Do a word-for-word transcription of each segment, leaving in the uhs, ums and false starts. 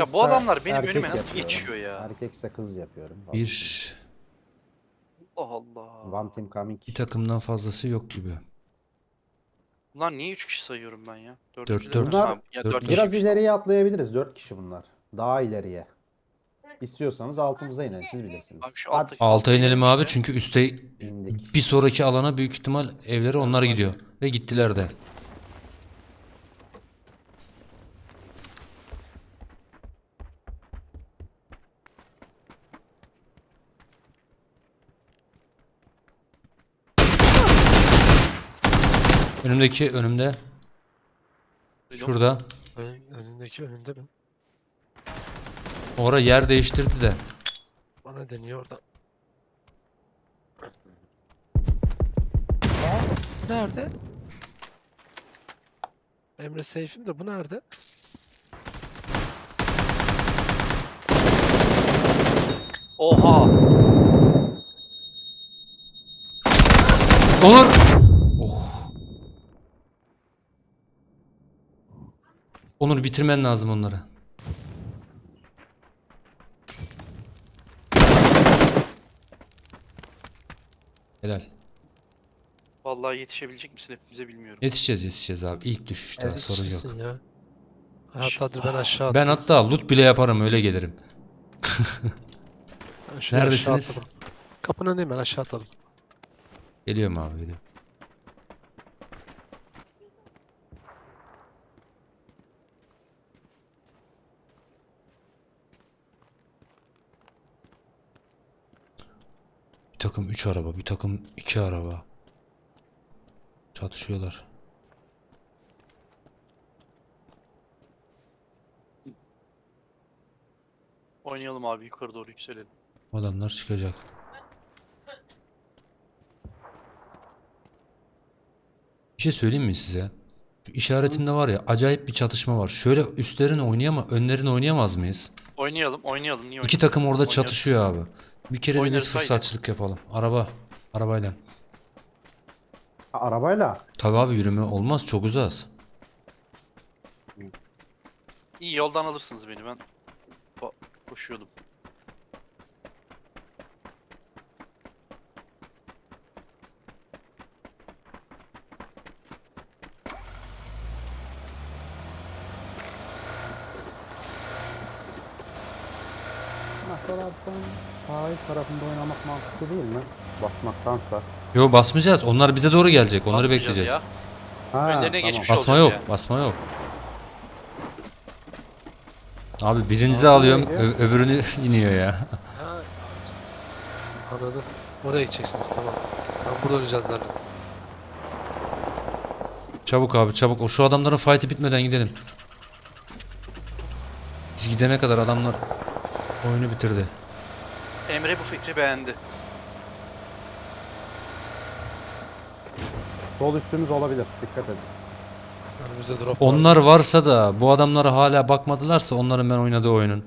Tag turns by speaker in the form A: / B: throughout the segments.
A: Ya bu adamlar benim önüme nasıl geçiyor ya?
B: Erkekse kız yapıyorum.
C: Bir,
A: Allah Allah.
B: One team coming.
C: bir takımdan fazlası yok gibi.
A: Bunlar niye üç kişi sayıyorum ben ya?
C: Dört,
A: Dördüncüleri
C: dört.
A: ben.
B: Bunlar
A: Ha, ya
C: Dört,
A: dört
C: dört.
B: biraz
A: kişiymiş, tamam.
B: ileriye atlayabiliriz. Dört kişi bunlar. Daha ileriye. İstiyorsanız altımıza inelim. Siz bilirsiniz.
A: Abi şu
B: Hadi.
A: alttaki-
C: Alta inelim abi
A: işte.
C: çünkü üste
B: İndik.
C: bir sonraki alana büyük ihtimal evleri onlar gidiyor. Ve gittiler de. Önümdeki önümde.
A: Duydum.
C: Şurada.
D: Önün, önündeki önünde mi?
C: Orada yer değiştirdi de.
D: Bana deniyor orada. Bu nerede? Emre safe'im de bu nerede?
A: Oha.
C: Onur. Oh. Onur bitirmen lazım onları. Helal.
A: Vallahi yetişebilecek misin hepimize bilmiyorum.
C: Yetişeceğiz yetişeceğiz abi. İlk düşüşte
B: Evet,
C: sorun yok.
D: Yetişirsin ya. Hatta dur ben aşağı
C: Ben
D: attım.
C: hatta loot bile yaparım öyle gelirim.
D: Ben şuraya aşağı
C: Neredesiniz?
D: atladım. Kapının önündeyim ben aşağı atladım.
C: Geliyorum abi geliyorum. Bir takım üç araba, bir takım iki araba. Çatışıyorlar.
A: Oynayalım abi, yukarı doğru yükselelim.
C: Adamlar çıkacak. Bir şey söyleyeyim mi size? Şu işaretimde var ya acayip bir çatışma var. Şöyle üstlerini oynayama, önlerini oynayamaz mıyız?
A: Oynayalım, oynayalım. Niye
C: İki
A: oynayalım?
C: takım orada
A: Oynarız.
C: çatışıyor abi. Bir kere de
A: Oynarız,
C: biz
A: haydi.
C: fırsatçılık yapalım. Araba, arabayla.
B: Ha, arabayla.
C: Tabii abi yürüme olmaz, çok uzağız.
A: İyi, yoldan alırsınız beni, ben Ba- koşuyordum.
B: Masalarsan sahil tarafında oynamak mantıklı değil mi? Basmaktansa.
C: Yo basmayacağız. Onlar bize doğru gelecek. Onları
A: Basmayacağız
C: bekleyeceğiz.
A: ya.
B: Ha,
A: Önlerine
B: tamam.
A: geçmiş
C: Basma
A: olacağız
C: yok,
A: ya.
C: basma yok. Abi birinizi
B: Basma
C: alıyorum,
B: neydi?
C: ö- öbürünü iniyor ya.
D: Ha, anladım. Oraya gideceksiniz tamam. Ben burada oynayacağız zannettim.
C: Çabuk abi çabuk. O şu adamların fight'i bitmeden gidelim. Biz gidene kadar adamlar oyunu bitirdi.
A: Emre bu fikri beğendi.
B: Sol üstümüz olabilir. Dikkat edin.
D: Önümüzde drop var.
C: Onlar varsa da bu adamlara hala bakmadılarsa onların ben oynadığı oyunun.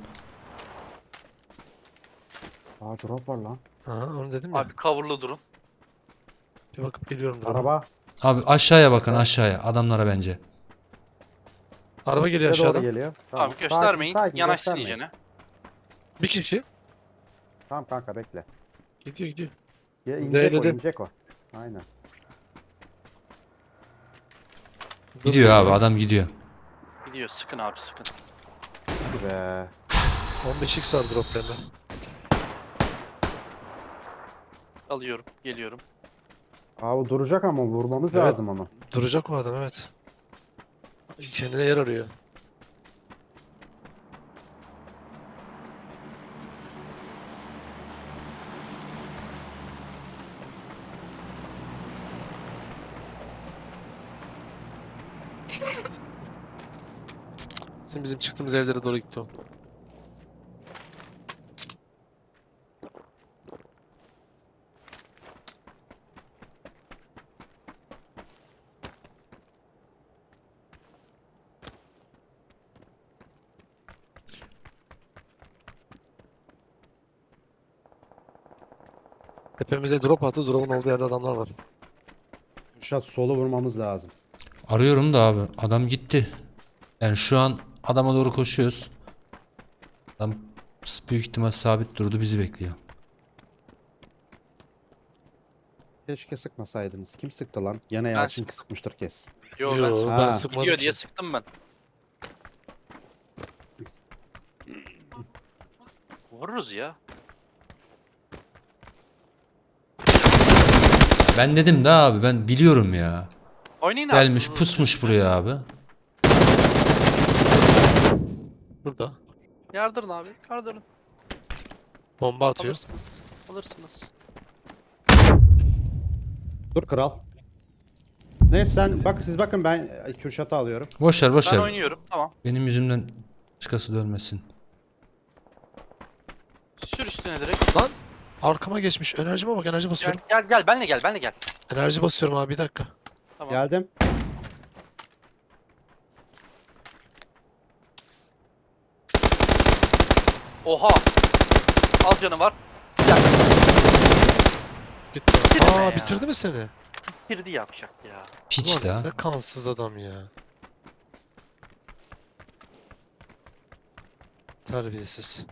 B: Aa, drop var lan.
D: Aha onu dedim ya.
A: Abi coverlı durun.
D: Bir bakıp geliyorum drop'a.
B: Araba.
C: Abi aşağıya bakın aşağıya adamlara bence.
D: Araba geliyor
B: Bize doğru
D: aşağıdan.
B: geliyor.
A: Tamam,
B: Sakin,
A: göstermeyin.
B: sakin,
A: Yanaşsın
B: göstermeyin.
A: iyicene.
D: Bir kişi.
B: Tamam kanka bekle.
D: Gidiyor gidiyor.
B: Ya inecek o,
D: Zeyledim.
B: inecek o. Aynen.
C: Gidiyor abi adam gidiyor.
A: Gidiyor, sıkın abi, sıkın.
B: Hadi be.
D: on beş x var droplarında.
A: Alıyorum, geliyorum.
B: Abi duracak ama vurmamız
D: Evet.
B: lazım onu.
D: Duracak o adam evet. Kendine yer arıyor. Bizim bizim çıktığımız evlere doğru gitti o. Tepemize drop attı. Drop'un olduğu yerde adamlar var.
B: Şat solu vurmamız lazım.
C: Arıyorum da abi adam gitti. Yani şu an adama doğru koşuyoruz. Büyük ihtimal sabit durdu, bizi bekliyor.
B: Keşke sıkmasaydınız. Kim sıktı lan? Gene
A: Ben
B: Yalçın
A: sıktım.
B: sıkmıştır kes.
A: Yo, ben
D: Yo,
A: sıktım.
B: Ha.
D: ben sıkmadım
A: Gidiyor
D: ki.
A: diye sıktım ben. Vururuz ya.
C: Ben dedim de abi, ben biliyorum ya.
A: Oynayın abi.
C: Gelmiş
A: hızlı hızlı.
C: pusmuş buraya abi.
D: Burada.
A: Yardırın abi. Yardırın.
D: Bomba atıyor.
A: Alırsınız. Alırsınız.
B: Dur kral. Neyse sen bak, siz bakın, ben Kürşat'ı alıyorum.
C: Boş ver boş
A: Ben
C: ver.
A: oynuyorum. Tamam.
C: Benim yüzümden başkası dönmesin.
A: Sür üstüne direkt.
D: Lan arkama geçmiş. Enerjime bak, enerji
A: Gel
D: basıyorum.
A: gel gel. Benle gel. Benle gel.
D: Enerji basıyorum abi, bir dakika.
A: Tamam.
B: Geldim.
A: Oha. Az canı var. Gel.
D: Bitti.
A: Bitirme
D: Aa
A: ya.
D: bitirdi mi seni?
A: Girdi yapacak ya.
C: Piç de
D: Ulan
C: ha.
D: ne kansız adam ya. Terbiyesiz.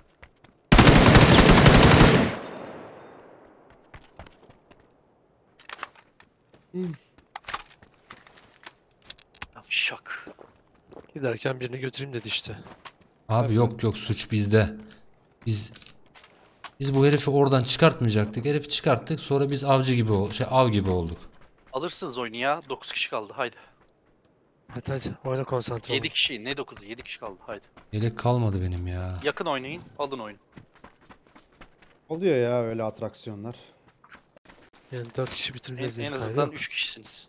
A: Yavşak.
D: Giderken birini götüreyim dedi işte.
C: Abi yok yok, suç bizde. Biz biz bu herifi oradan çıkartmayacaktık. Herifi çıkarttık, sonra biz avcı gibi ol şey av gibi olduk.
A: Alırsınız oyunu ya. dokuz kişi kaldı. Haydi.
D: Hadi hadi oyuna konsantre olun.
A: yedi kişi. Ne dokuzu? yedi kişi kaldı. Haydi.
C: Yelek kalmadı benim ya.
A: Yakın oynayın. Alın oyunu.
B: Oluyor ya öyle atraksiyonlar.
D: Yani dört kişi
A: En,
D: bitirmeyiz
A: en
D: diye
A: azından
D: kaydı.
A: üç kişisiniz.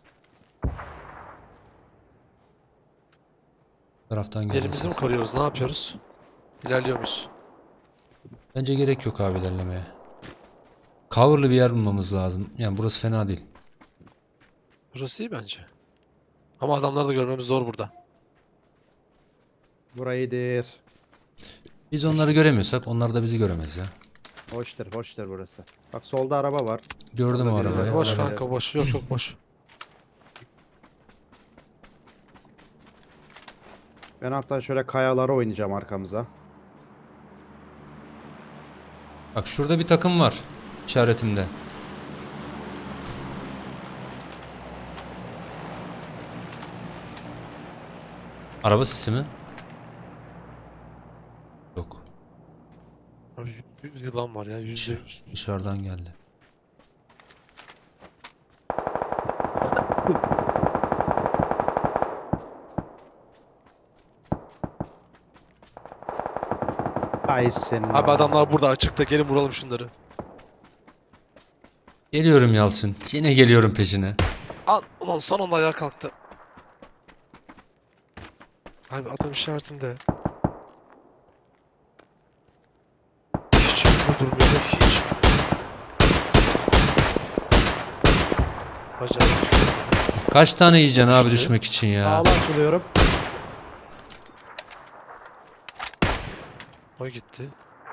C: Bu taraftan
D: Elimizi
C: geleceğiz.
D: mi koruyoruz? Ne yapıyoruz? İlerliyor muyuz?
C: Bence gerek yok abi ilerlemeye. Cover'lı bir yer bulmamız lazım. Yani burası fena değil.
D: Burası iyi bence. Ama adamları da görmemiz zor burada.
B: Burayıdır.
C: Biz onları göremiyorsak onlar da bizi göremez ya.
B: Hoştur, hoştur burası. Bak solda araba var.
C: Gördüm o
B: Orada biri var.
C: arabayı.
D: Boş
B: olabilir.
D: kanka boş. Yok yok boş.
B: Ben hatta şöyle kayalara oynayacağım arkamıza.
C: Bak şurada bir takım var işaretimde. Araba sesi mi? Yok.
D: Abi yüz yılan var ya. Yüzde
C: Dışarı-
D: yüz.
C: Dışarıdan geldi.
B: Ay senin.
D: Abi adamlar burada açıkta. Gelin vuralım şunları.
C: Geliyorum Yalçın. Yine geliyorum peşine.
D: Al. Ulan son anda ayağa kalktı. Abi adam işaretimde. Hiç yerinde durmuyor. Hiç. Acayip.
C: Kaç tane yiyeceksin abi
D: İşte.
C: düşmek için ya?
B: Sağla açılıyorum.
D: O gitti.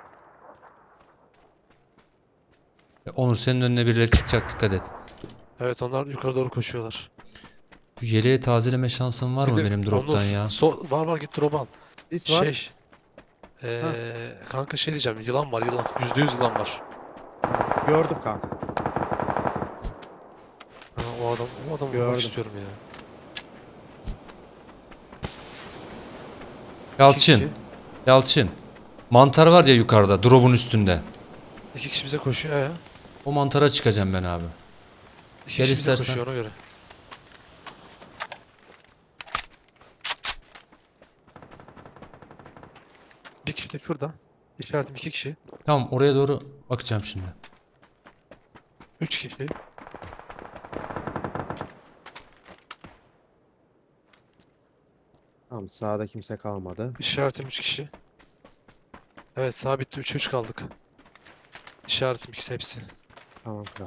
C: Onur, senin önüne birileri çıkacak, dikkat et.
D: Evet onlar yukarı doğru koşuyorlar.
C: Şu yeleği tazeleme şansın var mı
D: Bir de
C: benim droptan
D: Onur,
C: ya?
D: sol- var var git drop al.
B: Sis var.
D: Şey. Eee kanka şey diyeceğim. Yılan var yılan. Yüzde yüz yılan var.
B: Gördüm kanka.
D: Ha, o adam o adamı
B: Gördüm.
D: vurmak istiyorum ya. İki
C: Yalçın,
D: kişi,
C: Yalçın. Mantar var ya yukarıda, drop'un üstünde.
D: iki kişi bize koşuyor ya.
C: O mantara çıkacağım ben abi.
D: İki
C: Gel
D: kişi bize
C: istersen.
D: koşuyor ona göre. Bir kişi de şurada. İşaretim iki kişi.
C: Tamam, oraya doğru bakacağım şimdi.
D: Üç kişi.
B: Tamam, sağda kimse kalmadı.
D: İşaretim üç kişi. Evet sağ bitti. Üç üç kaldık. İşaretim ikisi hepsi.
B: Tamam kral.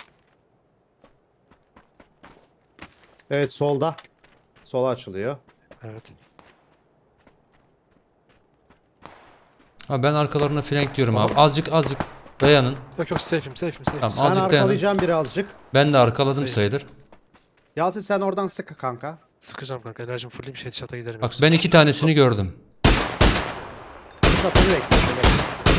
B: Evet, solda. Sola açılıyor.
D: Evet.
C: Ha, ben arkalarına flank diyorum abi. Azıcık azıcık dayanın.
D: Yok yok safe'im safe'im safe'im.
C: Tamam,
B: Ben
C: azıcık dayanın.
B: arkalayacağım birazcık.
C: Ben de arkaladım
D: Sayın.
C: sayılır.
B: Yalçın sen oradan sık kanka.
D: Sıkacağım kanka. Enerjim fulleyim. Headshot'a giderim.
C: Bak
D: yoksa.
C: ben iki tanesini gördüm.
B: Burada beni bekle. beni bekle.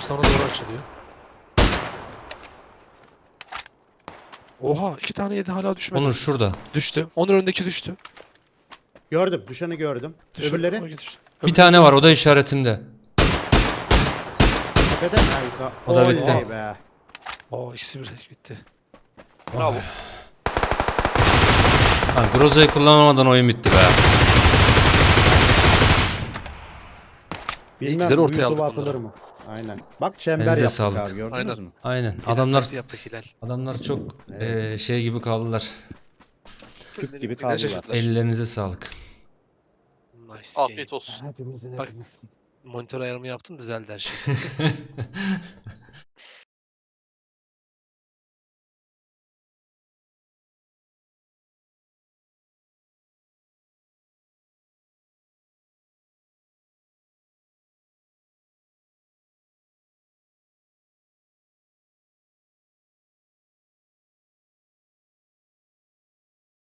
D: sana doğru açılıyor. Oha iki tane yedi hala düşmedi.
C: Onur şurada.
D: Düştü. Onun önündeki düştü.
B: Gördüm. Düşeni gördüm.
D: Düştü.
B: Öbürleri
D: O düştü.
C: Bir tane var, o da işaretimde.
B: tepede mi? Ha, yukarı.
C: O da
B: Oley
C: bitti.
B: be.
D: Oo ikisi bir bitti.
A: Bravo.
C: Ha, Groza'yı kullanamadan oyun bitti be.
B: Bilmem
D: güzel
B: bu
D: ortaya
B: YouTube'a
D: aldık
B: atılır
D: bunları.
B: mı? Aynen. Bak çember
C: Elinize
B: yaptık
C: sağlık.
B: abi gördünüz
D: Aynen.
B: mü?
C: Aynen.
D: Hilal
C: Adamlar
D: taktiği yaptık Hilal.
C: adamlar çok
B: Evet.
C: eee, şey gibi kaldılar.
B: Küp gibi
A: Hilal
B: kaldılar.
A: şaşırdılar.
C: Ellerinize sağlık.
D: Nice game.
A: Afiyet olsun.
B: Hepimizin
D: Bak.
B: hepimizin.
D: Monitör ayarımı yaptım düzeldi her şey.